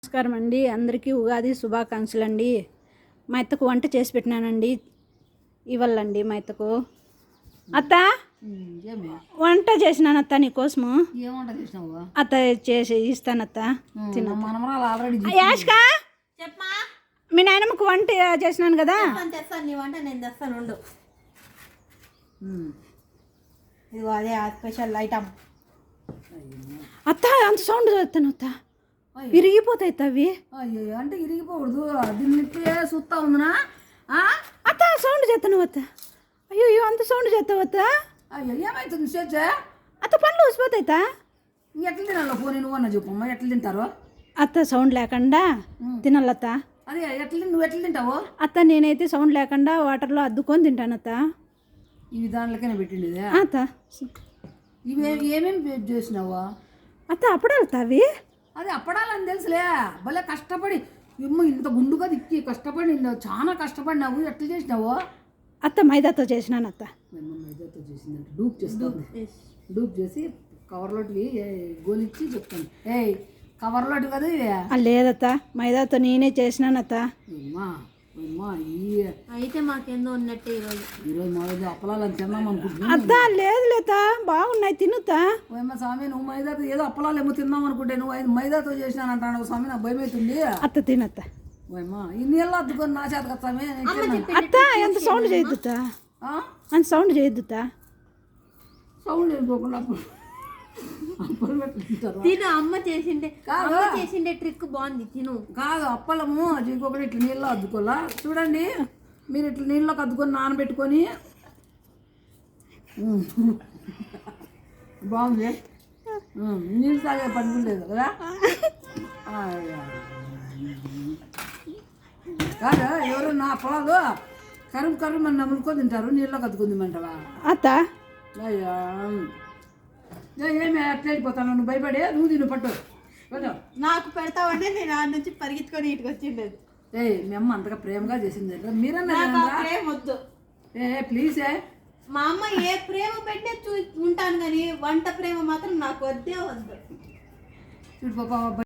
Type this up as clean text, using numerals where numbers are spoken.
నమస్కారం అండి, అందరికీ ఉగాది శుభాకాంక్షలు అండి. మా అత్తకు వంట చేసి పెట్టినానండి, ఇవ్వాలండి మా అత్తకు. అత్త వంట చేసినాను అత్త, నీకోసము. అత్త చేసి ఇస్తానత్త, యాష్కా మీ నాయనమ్మకు వంట చేసినాను కదా. నీ వంట నేను తెస్తాను ఉండు. ఇదిగో అదే స్పెషల్ ఐటమ్. అత్త అంత సౌండ్ చదువుతాను అత్త, విరిగిపోతాయి అవి. అయ్యో అంటే ఇరిగిపోకూడదు, దీన్ని చూస్తా ఉందినా. అత్త సౌండ్ చేస్తాను అత్త. అయ్యో అయ్యో అంత సౌండ్ చేస్తావు అత్త. అయ్యో ఏమవుతుంది చేచ్చా అత్త పనులు వచ్చిపోతాయి అత్త. ఎట్లా తినాలో పోనీ నువ్వు అన్న చెప్పమ్మా, ఎట్లా తింటారో. అత్త సౌండ్ లేకుండా తినాలత్త. అదే నువ్వు ఎట్లా తింటావు అత్త? నేనైతే సౌండ్ లేకుండా వాటర్లో అద్దుకొని తింటాను అత్త. ఇవి దాంట్లోకైనా పెట్టిండేదే అత్త. ఇవి ఏమేమి చేసినావా అత్త? అప్పుడాలు అవి. అదే అప్పడాలని తెలుసులే, భలే కష్టపడి ఇంత గుండుగా దిక్కి కష్టపడి చాలా కష్టపడినావు. ఎట్లా చేసినావు అత్త? మైదాతో చేసినాను అత్త. మైదాతో చేసిందంటే డూప్ చేస్తాను. డూప్ చేసి కవర్లోటివి గోలిచ్చి చెప్తాను. కవర్లోటి కదా ఇవి. లేదత్త, మైదాతో నేనే చేసినానత్త. అయితే మాకేందో ఉన్నట్టే ఈరోజు మా అప్పలాలని తిన్నాం అనుకుంటున్నా. అత్త లేదు లేత, బాగున్నాయి తినుతా. ఓయమ్మ స్వామి, నువ్వు మైదాతో ఏదో అప్పలాలు ఏమో తిందాం అనుకుంటే నువ్వు మైదాతో చేసినాను అంటాను స్వామి, నాకు భయం అవుతుంది. అత్త తినత్త. ఓయమ్మ ఈ నీళ్ళు అద్దుకొని నా చేత కదా స్వామి. అత్త ఎంత సౌండ్ చేయొద్దుతా, అంత సౌండ్ చేయొద్దుతా. సౌండ్ వేసుకోకుండా అప్పలు పెట్టుకుంటారు. తిను, అమ్మ చేసిండే ట్రిక్ బాగుంది, తిను. కాదు అప్పలము ఇంకొకటి ఇట్లా నీళ్ళు అద్దుకోవాలా. చూడండి మీరు ఇట్లా నీళ్ళకి అద్దుకొని నానబెట్టుకొని బాగుంది. నీళ్ళు తాగే పని లేదు కదా. కాదు ఎవరు నా పొలాలు కరువు మన నమ్ముకొని తింటారు, నీళ్ళకి అద్దుకుందిమంటావా అత్త? అయ్యా ఏమి అట్లా వెళ్ళిపోతాను, నువ్వు భయపడే నువ్వు తిను పట్టు నాకు పెడతావంటే నేను ఆ నుంచి పరిగెత్తుకొని ఇటుకు వచ్చిండేది. మీ అమ్మ అంతగా ప్రేమగా చేసింది మీరన్నా ప్రేమ వద్దు. ప్లీజ్ మా అమ్మ ఏ ప్రేమ పెట్టే ఉంటాను కానీ వంట ప్రేమ మాత్రం నాకు వద్దే వద్దు. చూడు పాప